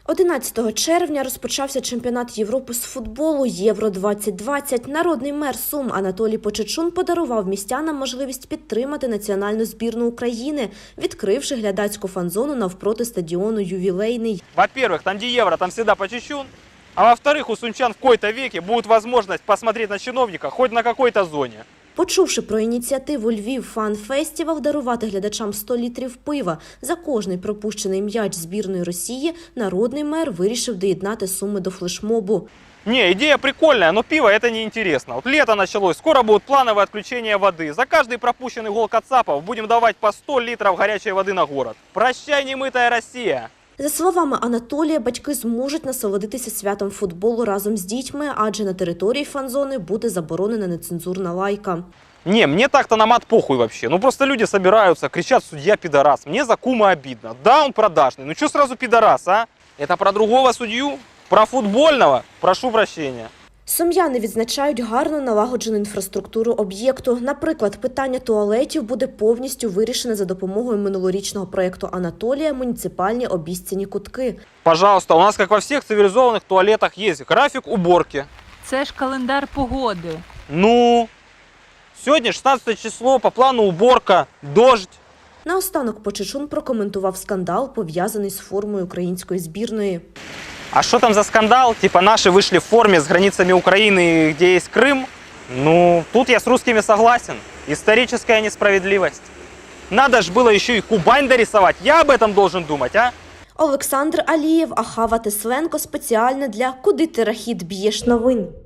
11 червня розпочався чемпіонат Європи з футболу Євро-2020. Народний мер Сум Анатолій Почечун подарував містянам можливість підтримати національну збірну України, відкривши глядацьку фан-зону навпроти стадіону «Ювілейний». Во-первых, там где Евро, там всегда Почечун. А во-вторых, у сумчан в какой-то веке будет возможность посмотреть на чиновника хоть на какой-то зоне. Почувши про ініціативу «Львів Фан Фестівал» дарувати глядачам 100 літрів пива за кожний пропущений м'яч збірної Росії, народний мер вирішив доєднати Суми до флешмобу. Не, идея прикольная, но пиво это неинтересно. Вот лето началось, скоро будет плановое отключение воды. За каждый пропущенный гол кацапов будем давать по 100 литров горячей воды на город. Прощай, немытая Россия! За словами Анатолія, батьки зможуть насолодитися святом футболу разом з дітьми, адже на території фан-зони буде заборонена нецензурна лайка. Не, мне так-то на мат похуй вообще. Ну просто люди собираются, кричат: судья пидорас. Мне за кума обидно. Да, он продажный. Ну что сразу пидорас, а? Это про другого судью? Про футбольного? Прошу прощения. Сум'яни відзначають гарно налагоджену інфраструктуру об'єкту. Наприклад, питання туалетів буде повністю вирішене за допомогою минулорічного проєкту Анатолія «Муніципальні обіцяні кутки». Пожалуйста, у нас, как во всех цивилизованных туалетах, есть график уборки. Це ж календар погоди. Ну, сегодня 16 число, по плану уборка, дождь. Наостанок Почечун прокоментував скандал, пов'язаний з формою української збірної. А что там за скандал? Типа наши вышли в форме с границами Украины, где есть Крым? Ну, тут я с русскими согласен. Историческая несправедливость. Надо ж было еще и Кубань дорисовать. Я об этом должен думать, а? Олександр Алієв, Ахава Тесленко спеціально для «Куди ти рахіт б'єш» новин.